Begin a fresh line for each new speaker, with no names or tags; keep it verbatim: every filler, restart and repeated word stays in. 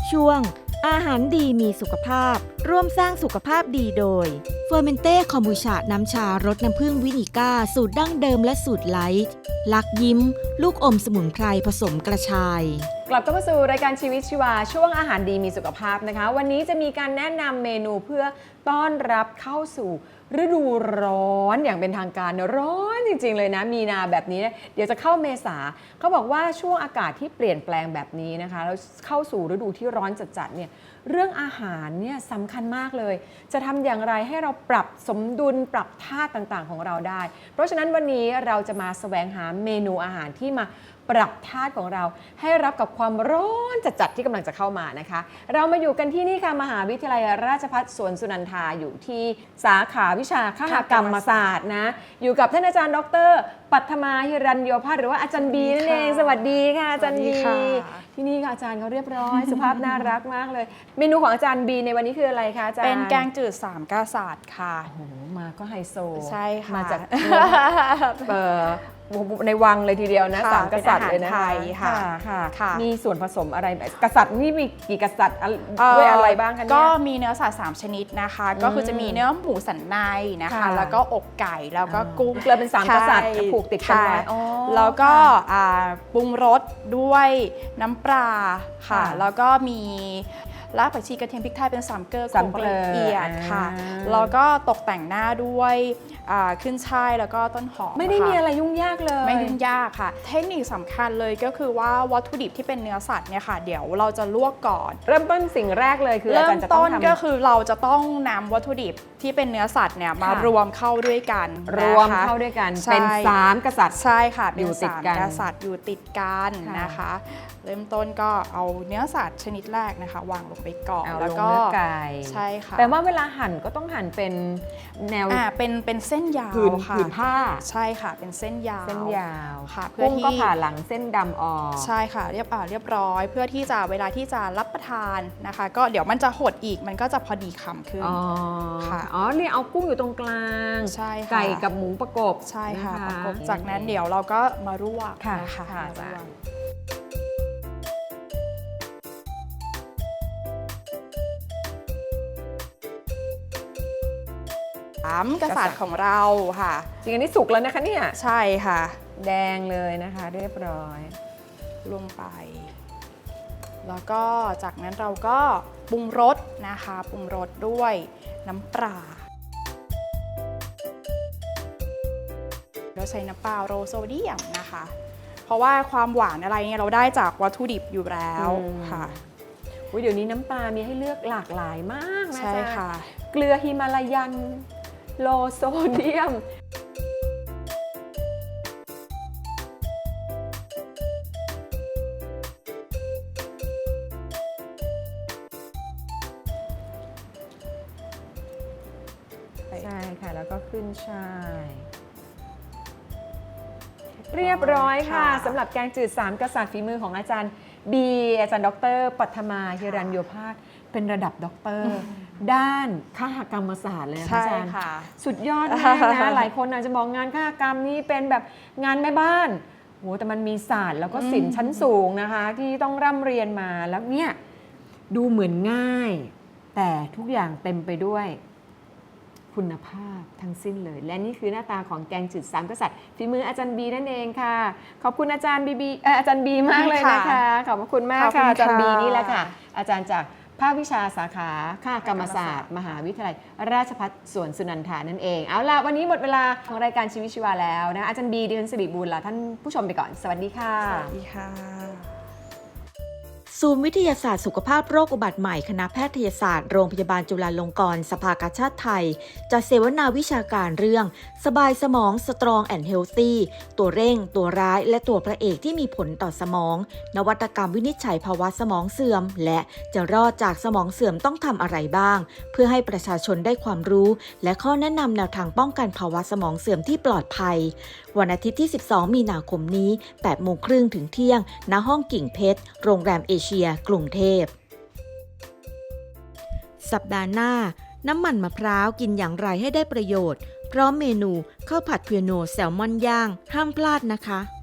ช่วงอาหารดีมีสุขภาพร่วมสร้างสุขภาพดีโดยเฟอร์เมนเต้คอมบูชาน้ำชารสน้ำผึ้งวินิก้าสูตรดั้งเดิมและสูตรไลท์ลักยิ้มลูกอมสมุนไพรผสมกระชาย
กลับเข้ามาสู่รายการชีวิตชีวาช่วงอาหารดีมีสุขภาพนะคะวันนี้จะมีการแนะนำเมนูเพื่อต้อนรับเข้าสู่ฤดูร้อนอย่างเป็นทางการร้อนจริงๆเลยนะมีนาแบบนี้เดี๋ยวจะเข้าเมษาเขาบอกว่าช่วงอากาศที่เปลี่ยนแปลงแบบนี้นะคะแล้วเข้าสู่ฤดูที่ร้อนจัดๆเนี่ยเรื่องอาหารเนี่ยสำคัญมากเลยจะทำอย่างไรให้เราปรับสมดุลปรับธาตุต่างๆของเราได้เพราะฉะนั้นวันนี้เราจะมาแสวงหาเมนูอาหารที่มาปรับธาตุของเราให้รับกับความร้อนจัดๆที่กำลังจะเข้ามานะคะเรามาอยู่กันที่นี่ค่ะมหาวิทยาลัยราชภัฏสวนสุนันทาอยู่ที่สาขาวิชาคหกรรมศาสตร์นะอยู่กับท่านอาจารย์ดร.ปัทมาหิรัญโยภาสหรือว่าอาจารย์บีนั่นเองสวัสดีค่ะอาจารย์บีที่นี่ค่ะอาจารย์เขาเรียบร้อย สุภาพน่ารักมากเลยเมนูของอาจารย์บีในวันนี้คืออะไรคะอาจารย์
เป็นแกงจืดสามกษัตริย์ค่ะ
โอ้โหมาก็ไฮโซ
ใช่ค่ะ
มาจากเอ่อในวังเลยทีเดียวนะสามกษัตริย์เลยนะคะค่ะค่ะมีส่วนผสมอะไรกษัตริย์นี่มีกี่กษัตริย์ด้วยอะไรบ้างคะเนี่ย
ก็มีเนื้อสัตว์สามชนิดนะคะก็คือจะมีเนื้อหมูสันในนะคะแล้วก็อกไก่แล้วก็กุ้ง
เลยเป็นสามกษัตริย์ผูกติดกันไว้
แล้วก็ปรุงรสด้วยน้ำปลาค่ะแล้วก็มีรากผักชีกระเทียมพริกไทยเป็นสามเกลือโขลกละเอียดค่ะแล้วก็ตกแต่งหน้าด้วยขึ้นช่ายแล้วก็ต้นหอม
ไม่ได้มีอะไรยุ่งยากเลย
ไม่ยุ่งยากค่ะเทคนิคสำคัญเลยก็คือว่าวัตถุดิบที่เป็นเนื้อสัตว์เนี่ยค่ะเดี๋ยวเราจะลวกก่อน
เริ่มต้นสิ่งแรกเลยคือ
เริ่มต้นก็คือเราจะต้องนำวัตถุดิบที่เป็นเนื้อสัตว์เนี่ยมารวมเข้าด้วยกัน
รวมเข้าด้วยกันเป็นสามกษัตริย์
ใช่ค่ะเป็นสามกษัตริย์อยู่ติดกันนะคะเริ่มต้นก็เอาเนื้อสัตว์ชนิดแรกนะคะวางลงไปก่อนแล้วก็
เนื้อไก่
ใช่ค่ะ
แต่ว่าเวลาหั่นก็ต้องหั่นเป็นแนว
อ่าเป็นเป็นเส้นยาวค่ะ
ผืนผ้า
ใช่ค่ะเป็นเส้นยาว
เส้นยาว
ค่ะ
เพื่อที่ก็ผ่าหลังเส้นดำออก
ใช่ค่ะเรียบอ่าเรียบร้อยเพื่อที่จะเวลาที่จะรับประทานนะคะก็เดี๋ยวมันจะหดอีกมันก็จะพอดีคำขึ้น
ค่ะอ๋อนี่เอากุ้งอยู่ตรงกลาง
ใช่ค่ะ
ไก่กับหมูประกบ
ใช่ค่ะประกบจากนั้นเดี๋ยวเราก็มาลวก
นะคะ
สามกษัตริย์ของเราค่ะ
จริงอันนี้สุกแล้วนะคะเนี่ย
ใช่ค่ะ
แดงเลยนะคะเรียบร้อย
ลงไปแล้วก็จากนั้นเราก็ปรุงรสนะคะปรุงรสด้วยน้ำปลาเราใช้น้ำปลาโลโซเดียมนะคะเพราะว่าความหวานอะไรเนี่ยเราได้จากวัตถุดิบอยู่แล้วค่ะ
เดี๋ยวนี้น้ำปลามีให้เลือกหลากหลายมากนะ
ใช่ค่ะ
เกลือฮิมาลายันโลโซเดียมใช่ค่ะแล้วก็ขึ้นช่ายเรียบร้อยค่ะสำหรับแกงจืดสามกษัตริย์ฝีมือของอาจารย์บีอาจารย์ดร.ปัทมาหิรัญโยภาสเป็นระดับด็อกเตอร์ด้านคหกรรมศาสตร์เลยอาจารย์สุดยอดมากนะหลายคนอาจจะมองงานคหกรรมนี่เป็นแบบงานแม่บ้านโหแต่มันมีศาสตร์แล้วก็ศิลป์ชั้นสูงนะคะที่ต้องร่ำเรียนมาแล้วเนี่ยดูเหมือนง่ายแต่ทุกอย่างเต็มไปด้วยคุณภาพทั้งสิ้นเลยและนี่คือหน้าตาของแกงจืดสามกษัตริย์ฝีมืออาจารย์บีนั่นเองค่ะขอบคุณอาจารย์บีบีอาจารย์บีมากเลยนะคะขอบคุณมากค่ะอาจารย์บีนี่แหละค่ะอาจารย์จากภาควิชาสาขาคหกรรมศาสตร์มหาวิทยาลัยราชภัฏสวนสุนันทานั่นเองเอาล่ะวันนี้หมดเวลาของรายการชีวิตชีวาแล้วนะอาจารย์บีดิฉันสิริบูลลาท่านผู้ชมไปก่อนสวัสดีค่ะ
สวัสดีค่ะ
ศูนย์วิทยาศาสตร์สุขภาพโรคอุบัติใหม่คณะแพทยศาสตร์โรงพยาบาลจุฬาลงกรณ์สภากาชาดไทยจัดเสวนาวิชาการเรื่องสบายสมอง Strong and Healthy ตัวเร่งตัวร้ายและตัวพระเอกที่มีผลต่อสมองนวัตกรรมวินิจฉัยภาวะสมองเสื่อมและจะรอดจากสมองเสื่อมต้องทำอะไรบ้างเพื่อให้ประชาชนได้ความรู้และข้อแนะนำแนวทางป้องกันภาวะสมองเสื่อมที่ปลอดภัยวันอาทิตย์ที่สิบสองมีนาคมนี้ แปดโมงครึ่งถึงเที่ยงณห้องกิ่งเพชรโรงแรมเอเชียกรุงเทพสัปดาห์หน้าน้ำมันมะพร้าวกินอย่างไรให้ได้ประโยชน์พร้อมเมนูข้าวผัดเพียโนแซลมอนย่างห้ามพลาดนะคะ